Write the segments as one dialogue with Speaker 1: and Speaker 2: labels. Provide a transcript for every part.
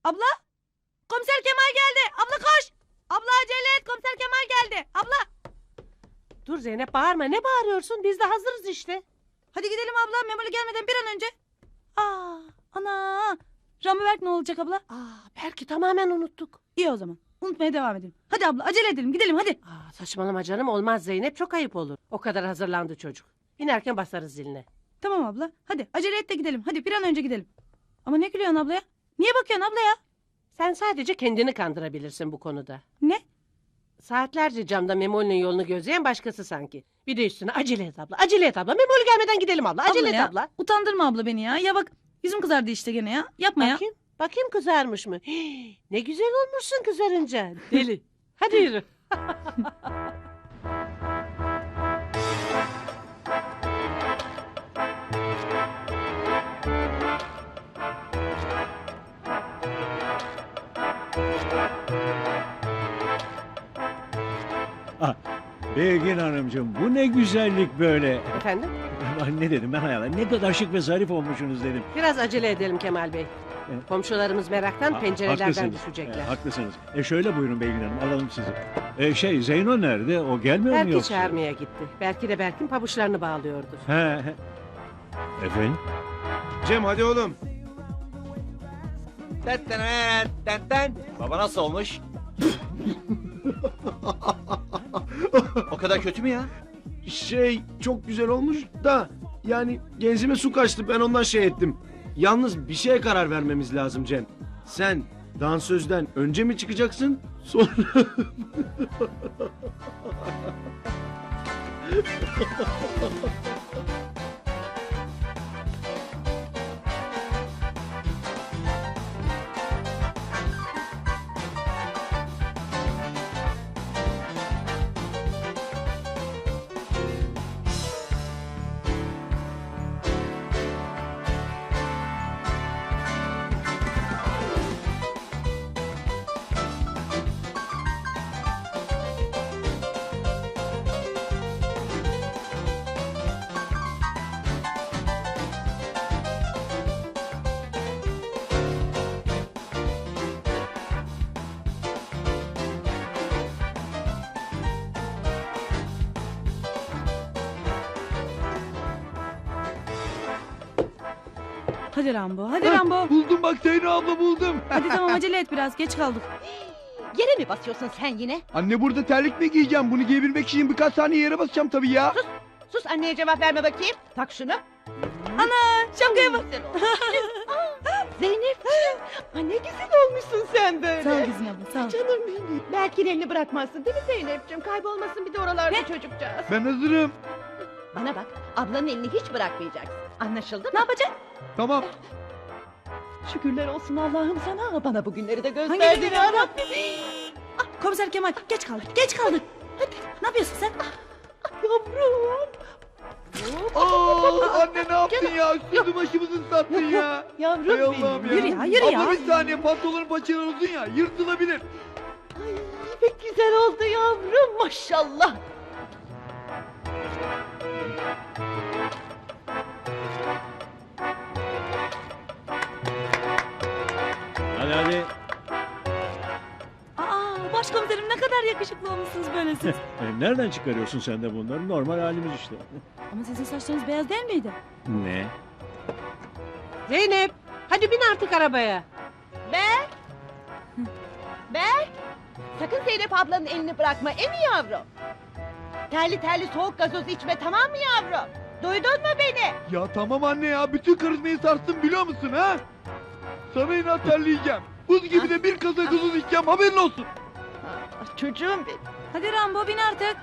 Speaker 1: Abla? Komiser Kemal geldi. Abla koş. Abla acele et. Komiser Kemal geldi. Abla.
Speaker 2: Dur Zeynep bağırma. Ne bağırıyorsun? Biz de hazırız işte.
Speaker 1: Hadi gidelim abla. Memoli gelmeden bir an önce. Ana. Ramiberk ne olacak abla?
Speaker 2: Belki tamamen unuttuk.
Speaker 1: İyi o zaman. Unutmaya devam edelim. Hadi abla acele edelim. Gidelim hadi.
Speaker 2: Saçmalama canım, olmaz Zeynep, çok ayıp olur. O kadar hazırlandı çocuk. İnerken basarız ziline.
Speaker 1: Tamam abla. Hadi acele et de gidelim. Hadi bir an önce gidelim. Ama ne gülüyorsun abla ya? Niye bakıyorsun abla ya?
Speaker 2: Sen sadece kendini kandırabilirsin bu konuda.
Speaker 1: Ne?
Speaker 2: Saatlerce camda Memoli'nin yolunu gözleyen başkası sanki. Bir de üstüne acele et abla, acele et abla. Memoli gelmeden gidelim abla, acele et
Speaker 1: ya,
Speaker 2: abla.
Speaker 1: Utandırma abla beni ya. Ya bak yüzüm kızardı işte gene ya. Yapma ya.
Speaker 2: Bakayım kızarmış mı? Hii, ne güzel olmuşsun kızarınca. Deli. Hadi yürü.
Speaker 3: Belgin Hanımcığım, bu ne güzellik böyle.
Speaker 2: Efendim?
Speaker 3: Ne dedim ben hayal? Ne kadar şık ve zarif olmuşsunuz dedim.
Speaker 2: Biraz acele edelim Kemal Bey. Komşularımız meraktan pencerelerden
Speaker 3: Haklısınız.
Speaker 2: düşecekler.
Speaker 3: Haklısınız. Şöyle buyurun Belgin Hanım, alalım sizi. Zeyno nerede? O gelmiyor mu
Speaker 2: Belki
Speaker 3: yoksa?
Speaker 2: çağırmaya gitti. Belki de Berk'in pabuçlarını bağlıyordur.
Speaker 3: He. Efendim?
Speaker 4: Cem hadi oğlum.
Speaker 5: Baba nasıl olmuş? O kadar kötü mü ya?
Speaker 4: Çok güzel olmuş da yani genzime su kaçtı, ben ondan şey ettim. Yalnız bir şeye karar vermemiz lazım Cem. Sen dansözden önce mi çıkacaksın sonra...
Speaker 1: Hadi Rambo. Hadi Rambo.
Speaker 4: Buldum bak Zeyno abla, buldum.
Speaker 1: Hadi tamam acele et biraz. Geç kaldık.
Speaker 6: Yere mi basıyorsun sen yine?
Speaker 4: Anne burada terlik mi giyeceğim? Bunu giyebilmek için birkaç saniye yere basacağım tabii ya.
Speaker 6: Sus anneye cevap verme bakayım. Tak şunu.
Speaker 1: Şapkaya bak.
Speaker 6: Güzel olmuş. Zeynepciğim. Ay ne güzel olmuşsun sen böyle.
Speaker 1: Sağ ol kızım abla sağ ol.
Speaker 6: Canım benim. Belki elini bırakmazsın değil mi Zeynepciğim? Kaybolmasın bir de oralarda çocukcağız.
Speaker 4: Ben hazırım.
Speaker 6: Bana bak, ablanın elini hiç bırakmayacaksın. Anlaşıldı mı?
Speaker 1: Ne yapacaksın?
Speaker 4: Tamam.
Speaker 6: Şükürler olsun Allah'ım sana. Bana bugünleri de
Speaker 1: Hangi
Speaker 6: gösterdin
Speaker 1: günleri
Speaker 6: ya
Speaker 1: abla?
Speaker 6: Rabbim.
Speaker 1: Komiser Kemal geç kaldık. Geç kaldık. Hadi ne yapıyorsun sen?
Speaker 6: Yavrum.
Speaker 4: Anne ne yaptın ya? Üstümüzü başımızı ıslattın ya.
Speaker 6: Yavrum
Speaker 4: Hay Allah'ım
Speaker 6: benim.
Speaker 1: Yürü ya yürü ya.
Speaker 4: Abla bir saniye, pantolonun paçaları uzun ya, yırtılabilir.
Speaker 6: Ay pek güzel oldu yavrum maşallah.
Speaker 3: Hadi.
Speaker 1: Başkomiserim ne kadar yakışıklı olmuşsunuz böyle siz.
Speaker 3: Nereden çıkarıyorsun sen de bunları? Normal halimiz işte.
Speaker 1: Ama sizin saçlarınız beyaz değil miydi?
Speaker 3: Ne?
Speaker 2: Zeynep, hadi bin artık arabaya.
Speaker 6: Berk. Sakın Zeynep ablanın elini bırakma emi yavrum. Terli terli soğuk gazoz içme tamam mı yavrum? Duydun mu beni?
Speaker 4: Ya tamam anne ya, bütün karizmayı sarstın biliyor musun ha? Sana inat terleyeceğim. Buz gibi de bir kasa gazoz içeceğim, haberin olsun.
Speaker 6: Çocuğum benim.
Speaker 1: Hadi Rambo bin artık.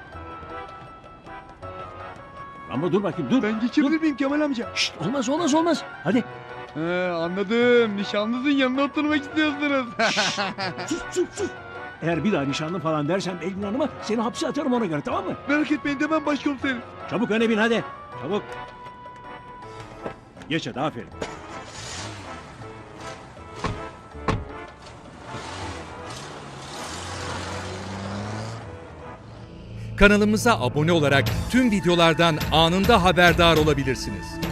Speaker 3: Ama dur bakayım dur.
Speaker 4: Ben geçebilir miyim Kemal amca?
Speaker 3: Şşt, olmaz. Hadi.
Speaker 4: Anladım. Nişanlınızın yanına oturmak istiyorsunuz.
Speaker 3: Sus. Eğer bir daha nişanlı falan dersen Belgin Hanım'a seni hapse atarım ona göre, tamam mı?
Speaker 4: Merak etmeyin, demem başkomiserim.
Speaker 3: Çabuk öne bin hadi. Çabuk. Geç hadi, aferin.
Speaker 7: Kanalımıza abone olarak tüm videolardan anında haberdar olabilirsiniz.